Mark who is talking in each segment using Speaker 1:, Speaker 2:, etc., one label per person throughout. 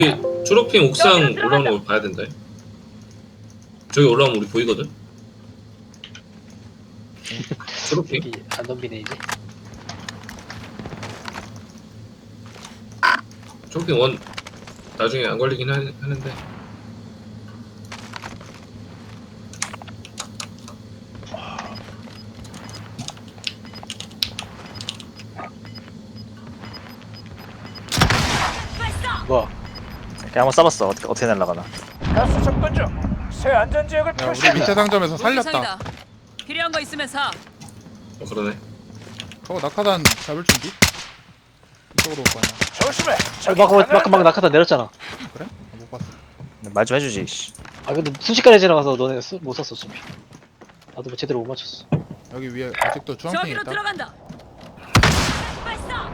Speaker 1: 초록핑 옥상 올라오는 거 봐야 된다. 저기 올라오면 우리 보이거든. 초록핑.
Speaker 2: 여기 안 덤비네 이제.
Speaker 1: 초록핑 원 나중에 안 걸리긴 하는데.
Speaker 2: 뭐야?
Speaker 3: 이렇게 한번 써봤어. 어떻게 날아가나.
Speaker 4: 가스 접근 중. 새 안전 지역을
Speaker 5: 야, 우리
Speaker 4: 표시한다.
Speaker 5: 밑에 상점에서 살렸다.
Speaker 6: 상이다. 필요한 거 있으면 사.
Speaker 1: 그러네.
Speaker 5: 저거 낙하산 잡을 준비? 이쪽으로 올 거야.
Speaker 4: 조심해.
Speaker 2: 막 낙하산 내렸잖아.
Speaker 5: 그래? 못 봤어.
Speaker 3: 말 좀 해주지. 씨.
Speaker 2: 아 근데 순식간에 지나가서 너네 못 썼어 어차피. 나도 뭐 제대로 못 맞췄어.
Speaker 5: 여기 위에 아직도 주황핑
Speaker 6: 저기로
Speaker 5: 있다.
Speaker 6: 들어간다. 발사.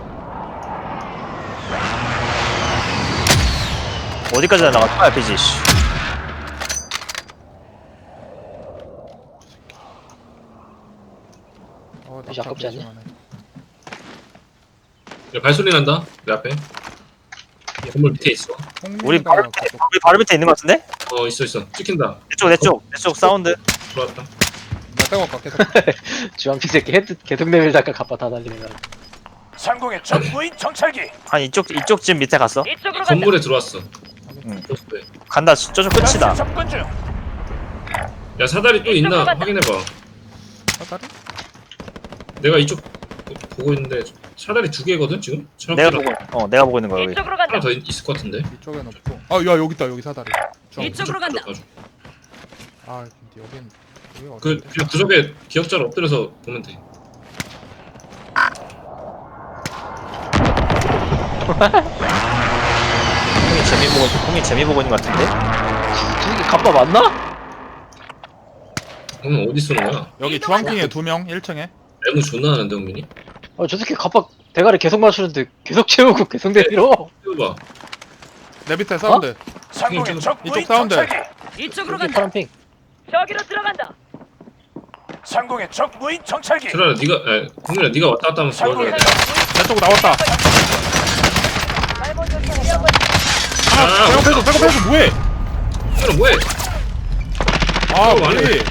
Speaker 3: 어디까지 날아가? RPG. 씨.
Speaker 2: 혹시 아깝지 않냐?
Speaker 1: 야, 발소리 난다. 내 앞에. 건물 밑에 있어.
Speaker 3: 우리 바로 밑에 있는 것 같은데?
Speaker 1: 있어. 찍힌다.
Speaker 3: 내 쪽 사운드.
Speaker 1: 들어왔다.
Speaker 5: 나 빼고 갈게.
Speaker 2: 주황빛 새끼 헤드 계속 내밀다가 갑바 다 날리는 거야.
Speaker 4: 상공의 적 무인 정찰기.
Speaker 3: 한 이쪽 집 밑에 갔어.
Speaker 6: 이쪽으로 간다.
Speaker 1: 건물에 들어왔어.
Speaker 3: 응.
Speaker 1: 네.
Speaker 3: 간다. 저쪽 끝이다.
Speaker 4: 가스 접근 중.
Speaker 1: 야, 사다리 또 있나 확인해봐.
Speaker 5: 사다리?
Speaker 1: 내가 이쪽 보고 있는데 사다리 2개거든 지금?
Speaker 3: 내가 보고 있는 거야 여기.
Speaker 6: 이쪽으로 간다.
Speaker 1: 하나 더 있을 것 같은데.
Speaker 5: 이쪽엔 없고. 아, 야 여기 있다. 여기 사다리.
Speaker 6: 이쪽으로 간다.
Speaker 5: 아, 근데 여긴 여기가
Speaker 1: 그
Speaker 5: 어딘데?
Speaker 1: 그냥 구석에 기억자를 엎드려서 보면 돼.
Speaker 3: 형이 재미 보고 있는 것 같은데?
Speaker 2: 저 새끼 갑바 맞나?
Speaker 1: 형은 어디 쏘는 거야?
Speaker 5: 여기 주황핑에 2명 1층에.
Speaker 1: 애무 존나 하는데 형민이?
Speaker 2: 저 새끼 갑바 대가리 계속 맞추는데 계속 채우고 계속 내밀어.
Speaker 1: 해봐.
Speaker 5: 내 밑에 사운드.
Speaker 4: 상공의 적
Speaker 5: 이쪽
Speaker 4: 무인
Speaker 5: 사운드.
Speaker 4: 정찰기.
Speaker 6: 이쪽으로
Speaker 2: 여기
Speaker 6: 간다.
Speaker 2: 파란 핑.
Speaker 6: 저기로 들어간다.
Speaker 4: 상공의 적 무인 정찰기.
Speaker 1: 트라라 형민아 네가 왔다 갔다 하면서
Speaker 4: 상공의
Speaker 1: 도와줘야 돼.
Speaker 4: 적 무인
Speaker 5: 내 쪽으로 나왔다.
Speaker 1: 아,
Speaker 5: 백업해줘. 뭐해?
Speaker 1: 형민아 뭐해?
Speaker 5: 아,
Speaker 1: 안
Speaker 5: 뭐해?
Speaker 3: 에이.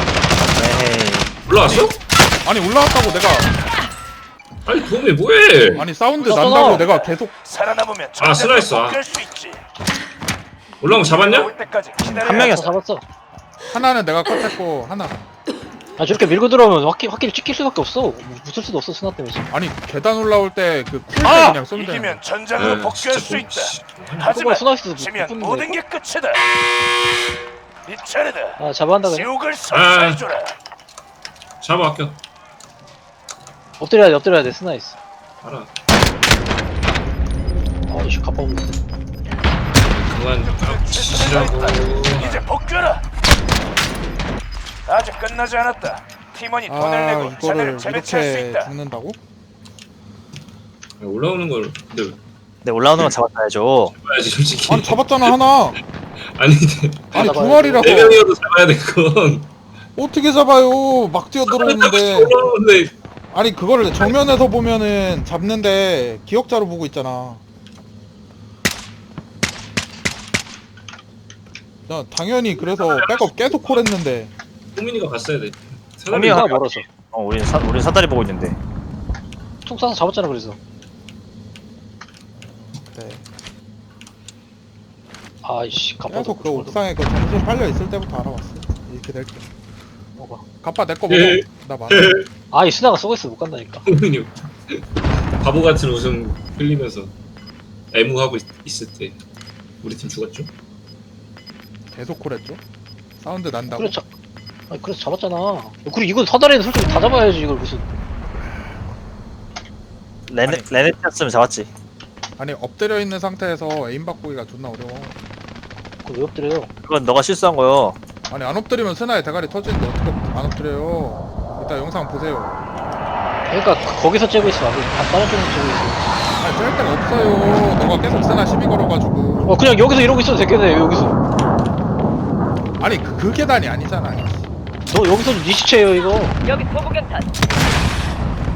Speaker 1: 올라왔어?
Speaker 5: 아니 올라왔다고 내가.
Speaker 1: 아니 도움이 뭐해?
Speaker 5: 아니 사운드
Speaker 2: 올라왔잖아.
Speaker 5: 난다고 내가 계속.
Speaker 4: 살아남으면
Speaker 1: 아, 슬라이스, 아.
Speaker 4: 복귀할 수 있지.
Speaker 1: 올라온 거 잡았냐?
Speaker 4: 올 때까지 기다려.
Speaker 3: 한 명이었어.
Speaker 2: 잡았어.
Speaker 5: 하나는 내가 컷했고 하나.
Speaker 2: 아 저렇게 밀고 들어오면 확실히 찍힐 수밖에 없어. 붙을 수도 없어 스나 때문에 지금.
Speaker 5: 아니 계단 올라올 때그 풀때
Speaker 3: 아!
Speaker 5: 그냥 쏘면 되는.
Speaker 4: 이기면 전장으로
Speaker 1: 네,
Speaker 4: 복귀할
Speaker 1: 진짜
Speaker 4: 수
Speaker 1: 뭐,
Speaker 4: 있다.
Speaker 1: 씨.
Speaker 4: 하지만
Speaker 2: 스나 있어도
Speaker 4: 지면
Speaker 2: 못
Speaker 4: 모든 게 끝이다. 네 차례다.
Speaker 2: 아 잡아한다 그냥.
Speaker 4: 지옥을 선사해줘라.
Speaker 1: 잡아 아껴.
Speaker 2: 엎드려야 돼 스나 있어.
Speaker 1: 알아.
Speaker 2: 아이씨 갑바 없는데.
Speaker 1: 그만 깝치시라고.
Speaker 4: 이제 복귀하라. 아직 끝나지 않았다. 팀원이 돈을
Speaker 5: 아
Speaker 4: 내고
Speaker 5: 이거를
Speaker 4: 자네를 재배치할 수
Speaker 5: 이렇게
Speaker 4: 있다.
Speaker 5: 죽는다고?
Speaker 1: 올라오는 걸 근데
Speaker 3: 내 올라오는 건 잡아야죠.
Speaker 1: 잡아야지 솔직히.
Speaker 5: 아니 잡았잖아 하나.
Speaker 1: 아니
Speaker 5: 아니
Speaker 2: 잡아야
Speaker 5: 두 마리라고.
Speaker 1: 네 명이어도 잡아야 돼 그건.
Speaker 5: 어떻게 잡아요? 막 뛰어 들어오는데.
Speaker 1: 올라오는데
Speaker 5: 아니 그거를 정면에서 보면은 잡는데 기억자로 보고 있잖아. 나 당연히 그래서 백업 계속 콜했는데.
Speaker 1: 호민이가 갔어야 돼.
Speaker 3: 호민이가
Speaker 2: 스나가 멀어서.
Speaker 3: 우린 사다리 보고 있는데.
Speaker 2: 총 쏴서 잡았잖아 그래서.
Speaker 5: 네.
Speaker 2: 아이씨 갑바도
Speaker 5: 계속 그 옥상에 그 정신 팔려 있을 때부터 알아봤어. 이렇게 될 때.
Speaker 2: 먹어.
Speaker 5: 가빠 내 거 먹어.
Speaker 1: 예.
Speaker 5: 나 많아.
Speaker 2: 아이 스나가 쏘고 있어 못 간다니까.
Speaker 1: 호민이 바보 같은 웃음 흘리면서 애무하고 있을 때 우리 팀 죽었죠?
Speaker 5: 계속 콜했죠. 사운드 난다고.
Speaker 2: 그래 그래서 잡았잖아. 그리고 이건 사다리는 솔직히 다 잡아야지 이걸 무슨.
Speaker 3: 레네티였으면 잡았지.
Speaker 5: 아니 엎드려 있는 상태에서 에임 바꾸기가 존나 어려워.
Speaker 2: 그걸 왜 엎드려요?
Speaker 3: 그건 너가 실수한 거요.
Speaker 5: 아니 안 엎드리면 스나의 대가리 터지는데 어떻게 안 엎드려요? 이따 영상 보세요.
Speaker 2: 그러니까 거기서 째고 있어. 다른 쪽에서 째고 있어.
Speaker 5: 아니 짤 데가 없어요. 너가 계속 스나 시비 걸어가지고.
Speaker 2: 그냥 여기서 이러고 있어도 되겠네 여기서.
Speaker 5: 아니 그 계단이 아니잖아.
Speaker 2: 너 여기서 네 시체예요 이거.
Speaker 6: 여기 소부경탄.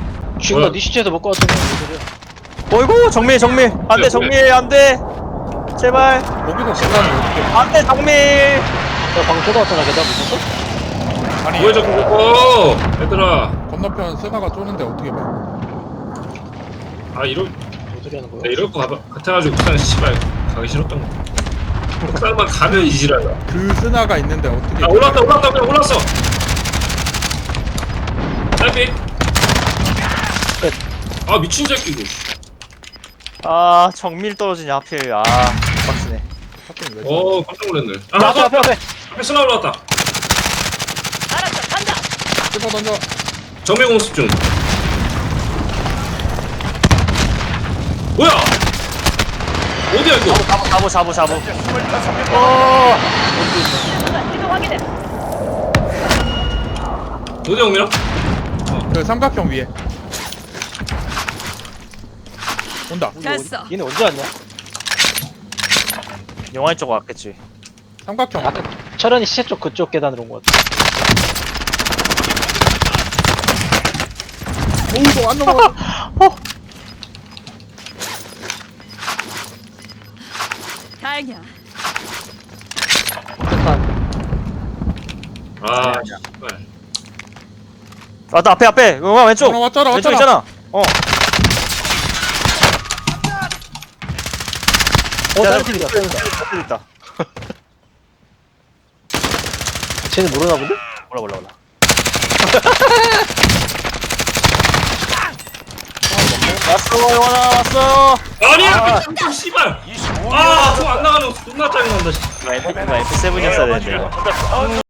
Speaker 2: 지금
Speaker 1: 뭐야?
Speaker 2: 네 시체에서 먹고 왔잖아. 무슨 소리야.
Speaker 3: 어이구 정밀. 안돼
Speaker 1: 그래.
Speaker 3: 정밀 안돼. 제발.
Speaker 5: 거기서 계단을 어떻게
Speaker 3: 안돼 정밀.
Speaker 2: 너 방금 쳐다봤잖아. 계단 무슨?
Speaker 5: 아니
Speaker 1: 뭐야 자꾸 그거 얘들아.
Speaker 5: 건너편 스나가 쏘는데 어떻게 봐?
Speaker 1: 아 이럴
Speaker 2: 뭔 소리 하는 거야?
Speaker 1: 나 이럴 거 같아가지고 옥상 씨발 가기 싫었던 거. 옥상만 가면 이지라다.
Speaker 5: 그 스나가 있는데 어떻게
Speaker 1: 아 올라왔다 그냥 올라왔어. 딸피. 아 미친 새끼 이거.
Speaker 3: 아 정밀 떨어지냐 하필. 아 빡치네.
Speaker 5: 하필 왜
Speaker 1: 깜짝 놀랐네. 아
Speaker 2: 앞에 앞에 앞에.
Speaker 1: 앞에 쓰나 올라왔다.
Speaker 6: 알았어, 간다.
Speaker 5: 씹어 던져.
Speaker 1: 정밀 공습 중. 뭐야? 어디야 이거?
Speaker 3: 잡어.
Speaker 4: 25명
Speaker 6: 수가 지도 확인해.
Speaker 1: 어디야 공밀아?
Speaker 5: 그 삼각형 위에 온다.
Speaker 6: 됐어.
Speaker 2: 얘네 언제 왔냐?
Speaker 3: 영화인 쪽 왔겠지.
Speaker 5: 삼각형
Speaker 2: 아까 철현이 시체 쪽 그쪽 계단으로 온 거 같아.
Speaker 5: 오이도 안 넘어.
Speaker 6: 다행이야.
Speaker 2: 폭탄.
Speaker 1: 아 씨발.
Speaker 3: 왔다 앞에. 영화 왼쪽.
Speaker 5: 왔잖아
Speaker 3: 왼쪽
Speaker 5: 왔잖아.
Speaker 3: 있잖아.
Speaker 2: 다른 팀이다.
Speaker 3: 저기 있다.
Speaker 2: 쟤는 모르나 본데?
Speaker 3: 몰라. 왔어 영환아 왔어.
Speaker 1: 아니야 미친 씨발.
Speaker 4: 25명
Speaker 1: 아저안 나가는 거 존나 짜증난다. 씨.
Speaker 3: 이거 MP7이었어야 되는데 이거.